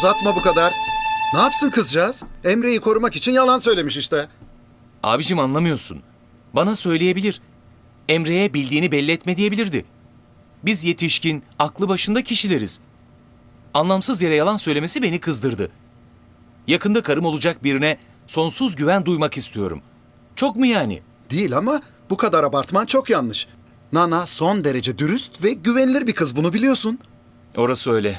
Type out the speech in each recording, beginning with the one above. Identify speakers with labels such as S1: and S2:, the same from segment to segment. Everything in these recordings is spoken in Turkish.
S1: uzatma bu kadar. Ne yapsın kızcağız? Emre'yi korumak için yalan söylemiş işte.
S2: Abicim anlamıyorsun. Bana söyleyebilir. Emre'ye bildiğini belli etme diyebilirdi. Biz yetişkin, aklı başında kişileriz. Anlamsız yere yalan söylemesi beni kızdırdı. Yakında karım olacak birine sonsuz güven duymak istiyorum. Çok mu yani?
S1: Değil ama bu kadar abartman çok yanlış. Nana son derece dürüst ve güvenilir bir kız, bunu biliyorsun.
S2: Orası öyle.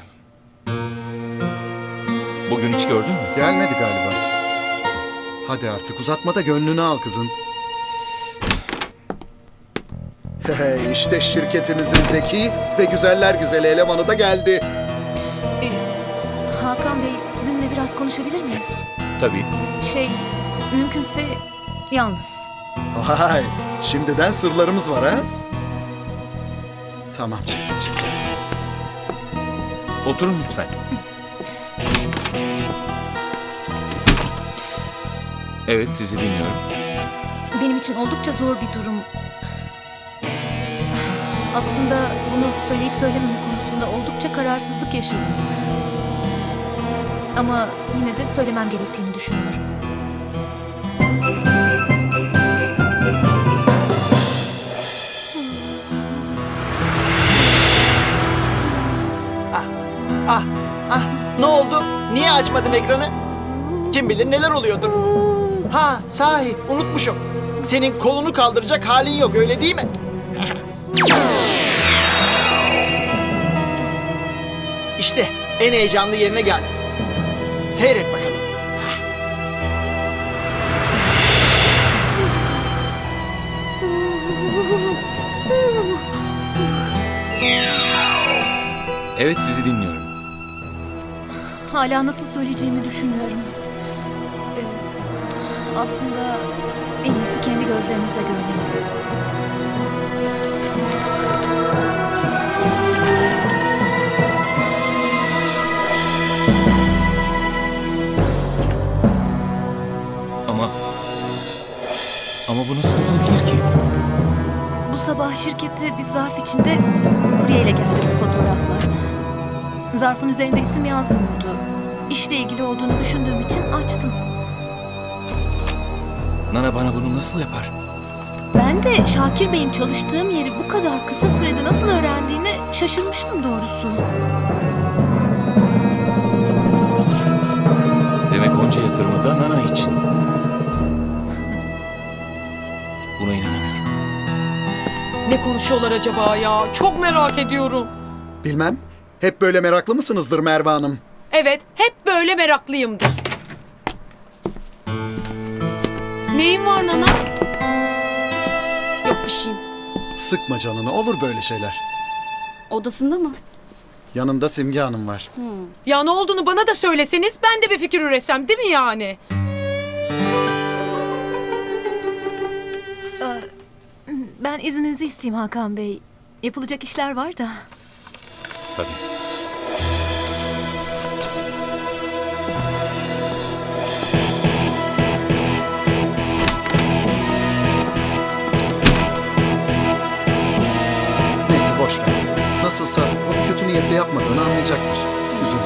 S2: Bugün hiç gördün mü?
S1: Gelmedi galiba. Hadi artık uzatma da gönlünü al kızın. Hey, işte şirketimizin zeki ve güzeller güzeli elemanı da geldi.
S3: Hakan Bey, sizinle biraz konuşabilir miyiz?
S2: Tabii.
S3: Mümkünse yalnız.
S1: Vay, şimdiden sırlarımız var ha? Tamam, çıktım.
S2: Oturun lütfen. Evet, sizi dinliyorum.
S3: Benim için oldukça zor bir durum. Aslında bunu söyleyip söylememe konusunda oldukça kararsızlık yaşadım. Ama yine de söylemem gerektiğini düşünüyorum.
S4: Ne oldu? Niye açmadın ekranı? Kim bilir neler oluyordur. Ha, sahi unutmuşum. Senin kolunu kaldıracak halin yok, öyle değil mi? İşte en heyecanlı yerine geldik. Seyret bakalım.
S2: Evet, sizi dinliyorum.
S3: Hala nasıl söyleyeceğimi düşünüyorum. Aslında en iyisi kendi gözlerinizle görmeniz.
S2: Ama bu nasıl olabilir ki?
S3: Bu sabah şirkete bir zarf içinde kuryeyle geldi bu fotoğraflar. Zarfın üzerinde isim yazmıyordu. İşle ilgili olduğunu düşündüğüm için açtım.
S2: Nana bana bunu nasıl yapar?
S3: Ben de Şakir Bey'in çalıştığım yeri bu kadar kısa sürede nasıl öğrendiğine şaşırmıştım doğrusu.
S2: Demek onca yatırımı da Nana için. Buna inanamıyorum.
S5: Ne konuşuyorlar acaba ya? Çok merak ediyorum.
S1: Bilmem, hep böyle meraklı mısınızdır Merve Hanım?
S5: Evet, hep böyle meraklıyımdır. Neyin var Nana? Yok bir şeyim.
S1: Sıkma canını, olur böyle şeyler.
S6: Odasında mı?
S1: Yanında Simge Hanım var.
S5: Ya ne olduğunu bana da söyleseniz ben de bir fikir üretsem değil mi yani?
S3: Ben izninizi isteyeyim Hakan Bey. Yapılacak işler var da.
S2: Tabii.
S1: Neyse boş ver. Nasılsa bunu kötü niyetle yapmadığını anlayacaktır. Üzülme.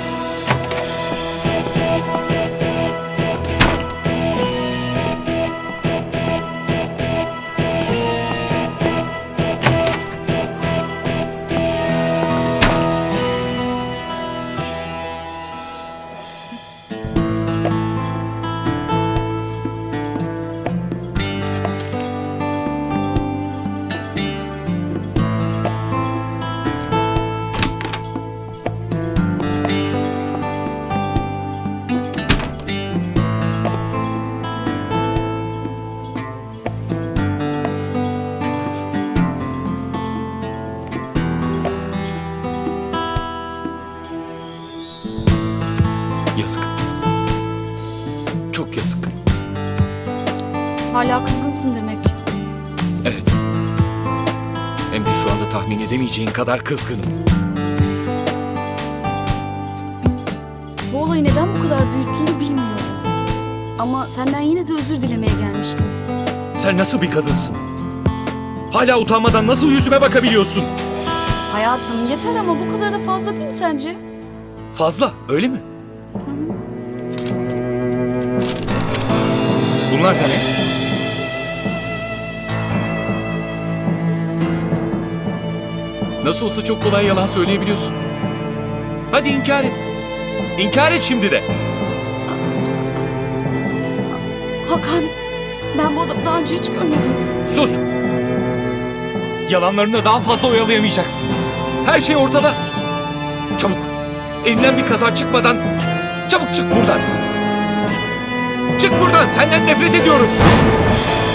S2: Yazık. Çok yazık.
S6: Hala kızgınsın demek.
S2: Evet. Hem de şu anda tahmin edemeyeceğin kadar kızgınım.
S6: Bu olayı neden bu kadar büyüttüğünü bilmiyorum. Ama senden yine de özür dilemeye gelmiştim.
S2: Sen nasıl bir kadınsın? Hala utanmadan nasıl yüzüme bakabiliyorsun?
S6: Hayatım yeter ama bu kadar da fazla değil mi sence?
S2: Fazla, öyle mi? Bunlar da ne? Nasıl olsa çok kolay yalan söyleyebiliyorsun. Hadi inkar et. İnkar et şimdi de.
S6: Hakan, ben bu adamı daha önce hiç görmedim.
S2: Sus! Yalanlarını daha fazla oyalayamayacaksın. Her şey ortada. Çabuk. Elinden bir kaza çıkmadan çabuk çık buradan. Çık buradan. Senden nefret ediyorum.